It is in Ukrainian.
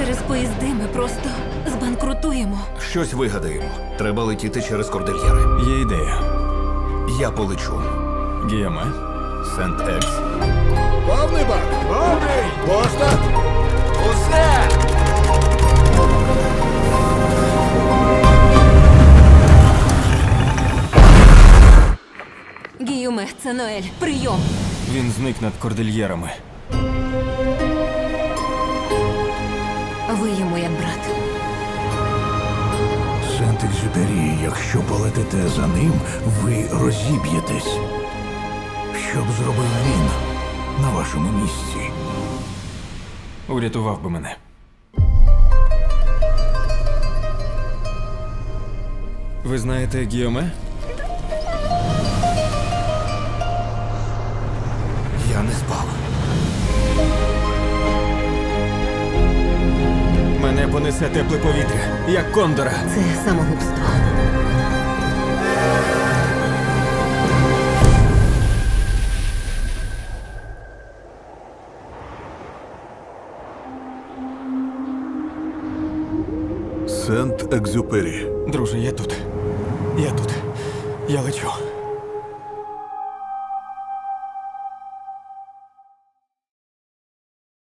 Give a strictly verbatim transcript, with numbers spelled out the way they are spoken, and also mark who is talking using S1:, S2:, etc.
S1: Через поїзди ми просто збанкрутуємо.
S2: Щось вигадаємо. Треба летіти через кордильєри.
S3: Є ідея.
S2: Я полечу.
S3: Гіоме, Сент-Екс.
S4: Повний бак! Повний! Пошта!
S2: Усе!
S1: Гіюме, це Ноель. Прийом.
S3: Він зник над кордильєрами.
S1: Ви йому як брат.
S4: Сент-Екзюпері, якщо полетите за ним, ви розіб'єтесь. Що б зробив він на вашому місці?
S3: Урятував би мене. Ви знаєте Гіоме?
S2: Я не спав.
S3: Мене понесе тепле повітря, як кондора.
S1: Це самогубство.
S4: Сент-Екзюпері.
S3: Друже, я тут. Я тут. Я лечу.